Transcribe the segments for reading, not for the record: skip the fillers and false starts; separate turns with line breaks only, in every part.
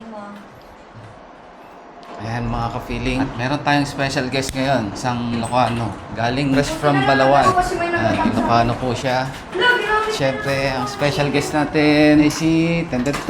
Ayan mga ka-feeling. At meron tayong special guest ngayon. Isang Ilocano. Galing fresh from Balawan. Ilocano po siya. Siyempre, ang special guest natin ay si...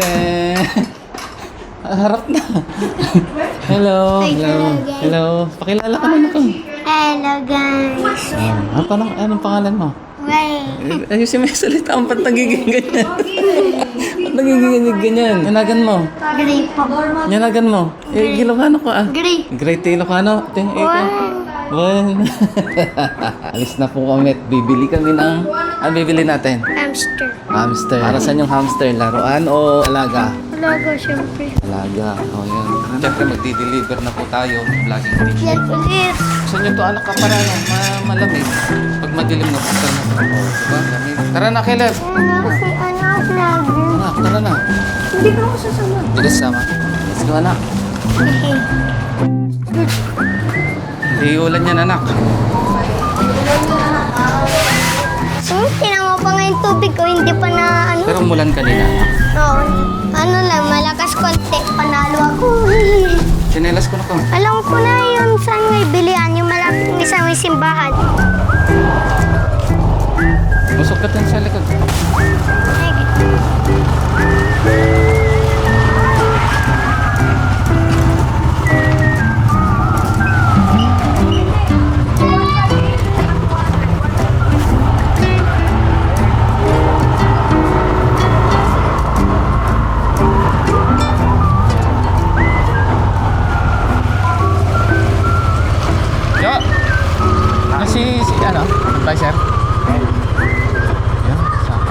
Harap na. Hello. Hello. Hello. Pakilala ka naman ako.
Hello guys.
Anong pangalan mo?
Wait.
Ayusin mo yung salita. Ba't nagiging ganyan? Ba't nagiging ganyan? Yanagan mo.
Gray po.
Yanagan mo. Ilocano ko ah.
Gray.
Great Ilocano. One. Alis na po kami at bibili kami ng... bibili natin?
Hamster.
Hamster. Para saan yung hamster? Laruan o alaga?
Alaga, syempre.
Alaga. O yan. Siyempre magdi-deliver na po tayo. Vlogging team.
Yan ulit.
Gusto nyo to anak ka para malamig. Pag madilim na punta na. Diba? Lamig. Tara na, Caleb.
Kasi anak lagi.
Anak, tara na.
Hindi ko ako sasama.
Hindi ka sasama. Let's go, anak. Iulan yan, anak.
Tinan mo pa nga yung tubig ko, hindi pa na ano.
Pero umulan kanina.
Oo. Ano lang, malakas konti. Panalo ako.
Sinelas ko na to.
Alam ko na yun saan may bilihan, yung malapit ng isang may simbahan.
Busog ka dun sa likod. Yo! Si ano? Advisor? Yan, sakto.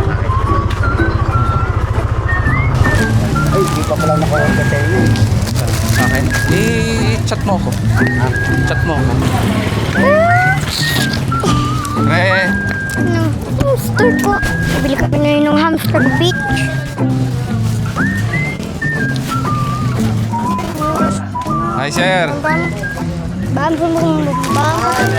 Ay, di pa pala naka-order sa inyo.
Sa akin? I-chat mo ako. Chat mo ako. Pre!
Ng hamster po. Bibili kami na yun ng hamster beach.
Hi, sir!
Bam, bam, bam, bam.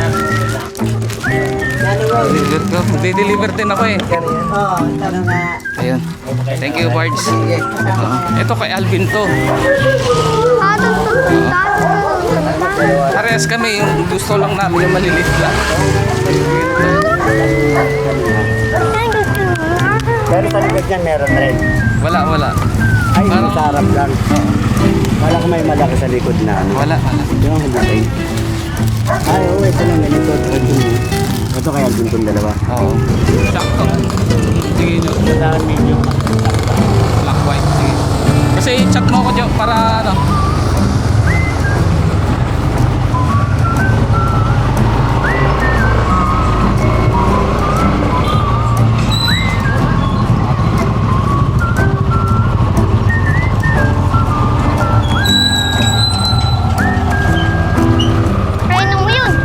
Deliver ko. Di-deliver din ako eh.
Oo, tanong nga.
Ayun. Thank you, Bards. Ito kay Alvin to. Parehas kami. Yung gusto lang namin yung malilit lang.
Pero sa likod niyan meron rin.
Wala.
Ay,
Parang-
sa harap lang. Wala ko may malaki sa likod na ano.
Wala.
Yung hagulay. Ay, oo, ito lang ganito. Ito kaya din itong dalawa.
Oo. Sakto. Sige nyo.
Saan medyo
Black, white. Sige. Kasi chat mo ko dyan para ano.
Reno mo yun.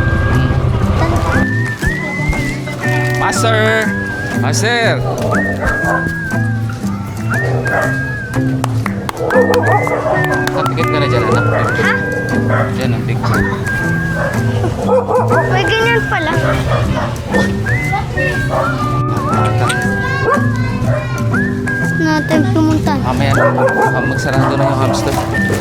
Master! Master! Kapikit ka na dyan, anak.
Ha?
Dyan ang picture.
May ganyan pala. Natin pumunta.
Mamaya na magsarado na yung hamster.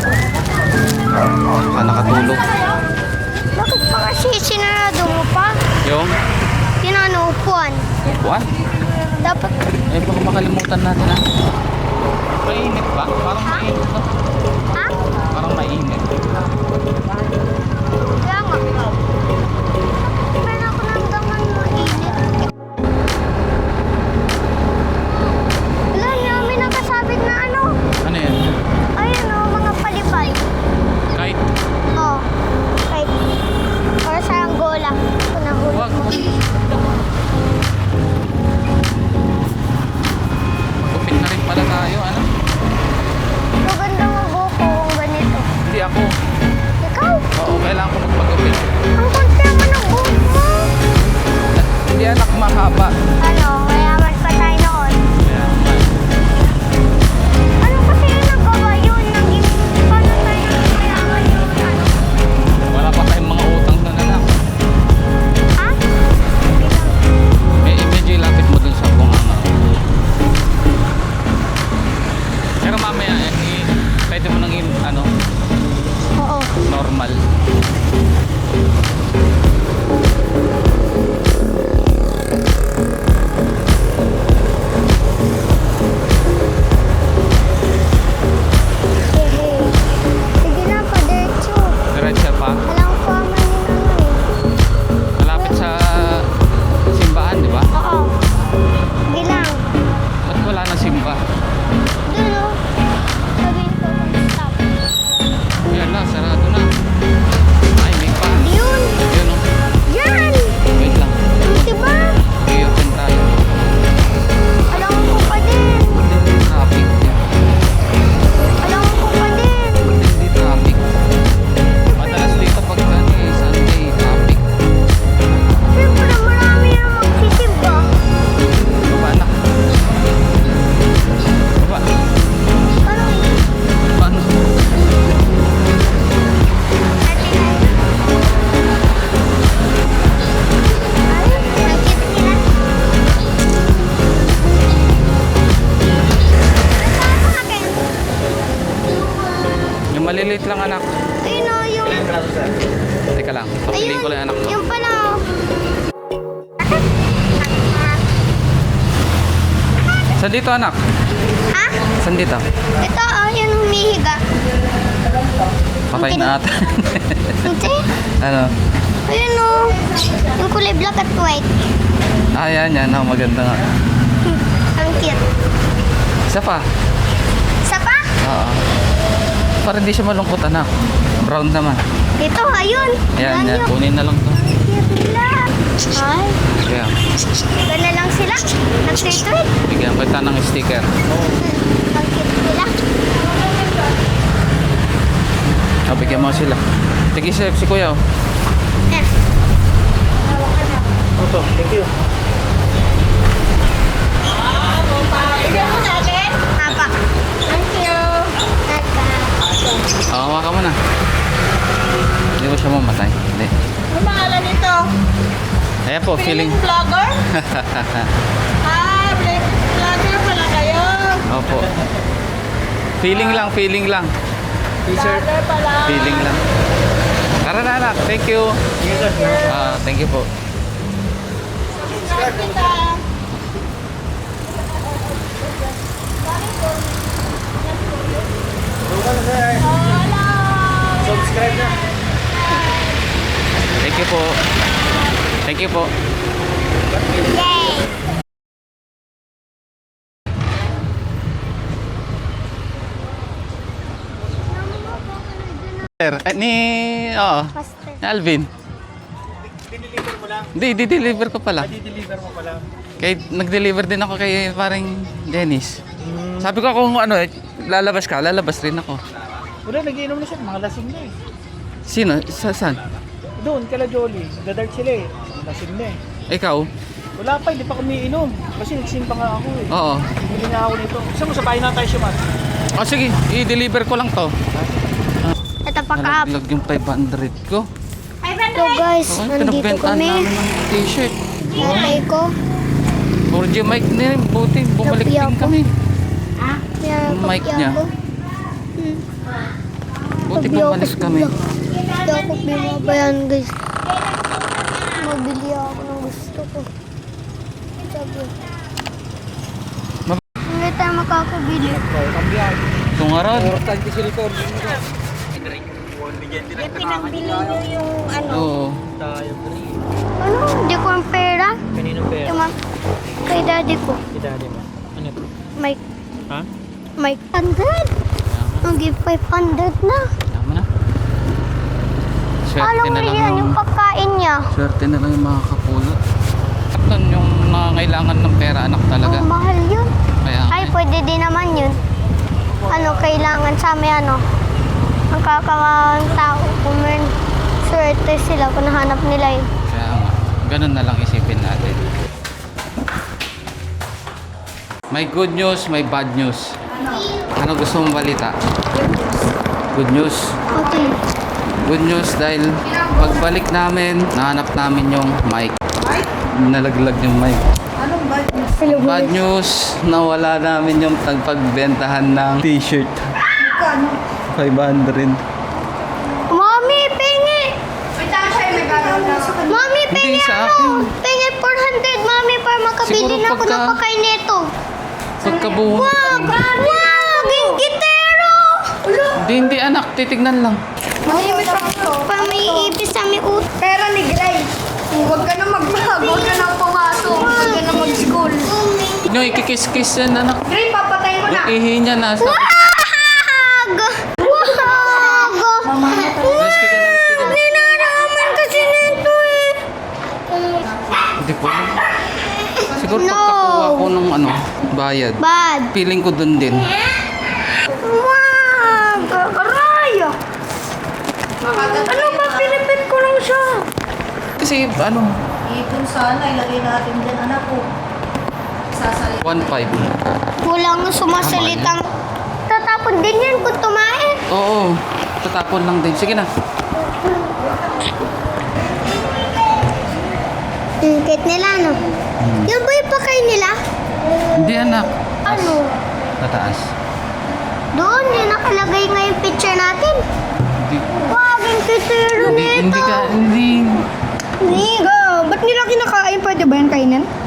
Baka nakatulog.
Bakit pa kasi sinarado mo pa?
Yung
Yun ano, upuan.
upuan.
Dapat,
Baka makalimutan natin ha. Mainit ba? Parang mainit ba?
ha?
Parang mainit.
Kaya nga. Pero ako nanggaman mainit. Wala niya, may nakasabit na ano.
Ano yan?
Ayun o, mga palibay.
Kahit
Oh, kahit. Para sa Angola. Kunahulog
wag.
mo.
Magupit na rin pala tayo, ano?
Lugar
normal.
Sige na, pa-diretso.
Diretso pa.
Alam ko man yun ano eh.
Malapit sa simbahan, di ba?
Oo. Sige lang.
Ba't wala nang simba?
Doon o. Sabihin ko kung stop.
Yan na, sarado na. Ay, may pa.
Yun.
Yun o.
Yan.
Wait lang.
Diba?
I-open tayo.
Alam ko pa din.
Traffic.
Alam ko pa din.
Hindi traffic. Madalas dito pag Sunday, traffic.
Siyempre marami na magsisimba.
Baba na. Baba.
Ano eh?
Paano?
Ay, nakita nila. Saan akin?
Yung maliliit lang anak.
Ayun o, yung...
Teka lang, papiliin ko lang yung anak mo.
Yung pala o.
Saan dito anak?
Ha?
Saan dito?
Ito o, yung humihiga.
Patay na ata.
Hindi.
Ano?
Ayun o. Yung kulay black at white.
Ah, yan. Oh, maganda nga.
Ang cute.
Isa pa.
Isa pa?
Oo. Para hindi siya malungkot anak. Brown naman.
Ito, ayun.
Ayan, yan.
Ganyan.
Kunin na lang to.
Cute nila. Ay,
Kaya,
gana lang sila. Nag-tweet.
bigyan kita ng sticker.
Ang cute nila.
Oh, bigyan mo sila. Sige, si kuya. Oh.
Eh.
Opo, thank you.
Bigyan mo sa akin? Apa. Thank you. Apa.
Oh, hawakan mo na. Hindi ko siya mamatay. Hindi.
Ano pangalan nito?
Ayan po, feeling.
Vlogger? Vlogger pala kayo.
Opo. Feeling lang.
Vlogger pala.
Feeling lang. Tara na anak, thank you. Thank you po.
Subscribe kita.
Subscribe na.
Thank you po. Thank you po.
Yay. Pastel.
Ni Alvin.
Diniliver mo lang.
Hindi, di-deliver ko pala.
Di-deliver mo pala.
Kay, nag-deliver din ako kay parang Dennis. Sabi ko kung ano, lalabas rin ako.
Wala, nagiinom na siya. Mga lasing na eh.
Sino? Saan?
Doon, kala Jolly. Dadart sila eh. Lasing na eh.
Ikaw?
Wala pa, hindi pa kami inom. Kasi nagsimpa nga ako eh.
Oo.
Bili nga ako nito. Gusto mo, sabahin na tayo siya, man.
Oh, sige, i-deliver ko lang to.
Ito pa ka.
Nalaglag yung 500 ko.
So guys,
Oh,
nandito
pinagbentahan
kami.
namin ng t-shirt.
Tatay ko.
4G mic na rin. Buti, bumalik
Napiyak
din
ko.
kami.
Yan,
Yung mic
kopya
niya.
ko.
Buti
Napiyak
bumalik
ko
kami.
sila. Hindi ako binabayan guys. Mabili ako ng gusto ko. Sabi. Hindi tayo makakabili.
Ito nga ron.
Pinambili nyo yung ano.
Oo.
Ano? Hindi ko ang pera.
Kaninong pera?
Yung kay daddy ko.
Idali mo. Ano ito?
Mike.
Ha?
Mike. 100. Ang give 500 na.
Tama na. Swerte
Alam
na
mo
lang
yan, yung pagkain niya.
Swerte na lang yung mga kapulot. Ito yung nangangailangan ng pera anak talaga.
Ang mahal yun.
Kaya
Ay, pwede din naman yun. Ano, kailangan sa amin, ano, ang kakawang tao, kung may swerte sila, kung nahanap nila yun.
Kaya nga, ganun na lang isipin natin. May good news, may bad news. Ano gusto mong balita? Good news.
Okay.
Good news dahil pagbalik namin, nahanap namin yung mic. Nalaglag yung mic.
Hello,
Bad
guys.
news, nawala namin yung pagbentahan ng t-shirt. 500.
Mami, Mami,
Hindi,
pengi
sa
ano?
akin.
Pengi 400, mami, para makabili
Siguro
na ako ng
pagka-
pakain nito.
Pagkabuo.
Wag! Gingitero!
Hindi anak, titignan lang.
Mami, may pa may ipis sa may ut.
Pera ni Gray. Huwag ka na magbago. Huwag ka na pumasok. Huwag ka na mag-school.
No, ikikis-kiss yan anak.
Gray, papatayin mo na.
Yung ihi niya nasa.
Wag! Wag!
Nice ka dyan, nice ka dyan.
Dinaraman kasi nito eh.
Hindi ko alam. Siguro
No.
pagkakuha ko ng ano, bayad.
Bad.
Feeling ko dun din.
Wag! Aray! Ano ba? Pinipit ko lang siya.
Kasi ano,
Ipon sana, ilagay natin dyan, anak ko. Sasalita.
1.5.
Walang sumasalitang. Tatapon din yan kung tumain.
Oo, tatapon lang din. Sige na.
Kahit nila, no? Yun ba yung pakain nila?
Hindi anak.
Ano?
Tataas.
Doon, yung nakalagay nga yung picture natin.
Hindi.
Wag, yung kitero
Hindi
nito.
ka, hindi.
Niga, ba't nila kinakain? Pwede ba yan kainin?